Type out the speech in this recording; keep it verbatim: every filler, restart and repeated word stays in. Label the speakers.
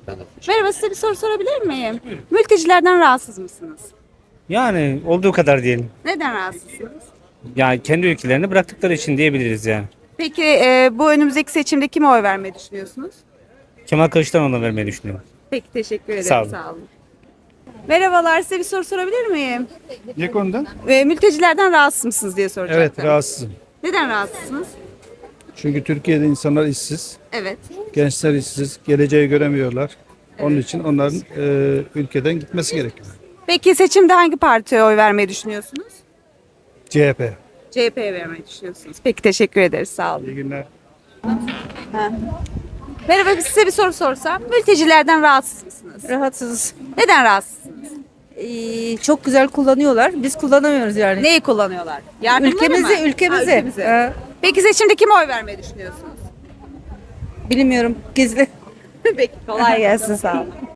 Speaker 1: Merhaba, size bir soru sorabilir miyim? Mültecilerden rahatsız mısınız?
Speaker 2: Yani olduğu kadar diyelim.
Speaker 1: Neden rahatsızsınız?
Speaker 2: Yani kendi ülkelerini bıraktıkları için diyebiliriz yani.
Speaker 1: Peki e, bu önümüzdeki seçimde kime oy vermeyi düşünüyorsunuz?
Speaker 2: Kemal Kılıçdaroğlu'na vermeyi düşünüyorum.
Speaker 1: Peki, teşekkür ederim.
Speaker 2: Sağ olun.
Speaker 1: Sağ olun. Merhabalar, size bir soru sorabilir miyim?
Speaker 3: Ne konuda?
Speaker 1: E, mültecilerden rahatsız mısınız diye soracaktım.
Speaker 3: Evet, rahatsızım.
Speaker 1: Neden rahatsızsınız?
Speaker 3: Çünkü Türkiye'de insanlar işsiz,
Speaker 1: Evet.
Speaker 3: gençler işsiz, geleceği göremiyorlar. Onun için onların e, ülkeden gitmesi gerekiyor.
Speaker 1: Peki seçimde hangi partiye oy vermeyi düşünüyorsunuz?
Speaker 3: C H P.
Speaker 1: C H P'ye vermeyi düşünüyorsunuz. Peki, teşekkür ederiz. Sağ olun.
Speaker 3: İyi günler.
Speaker 1: Merhaba, size bir soru sorsam. Mültecilerden rahatsız mısınız?
Speaker 4: Rahatsız.
Speaker 1: Neden rahatsızsınız?
Speaker 4: Ee, çok güzel kullanıyorlar. Biz kullanamıyoruz yani.
Speaker 1: Neyi kullanıyorlar? Yardımları
Speaker 4: Ülkemizi,
Speaker 1: mı?
Speaker 4: ülkemizi.
Speaker 1: Ha, ülkemizi.
Speaker 4: Ee,
Speaker 1: Peki seçimde kime oy vermeyi düşünüyorsunuz?
Speaker 4: bilmiyorum. Gizli.
Speaker 1: Peki, kolay gelsin. Sağ olun.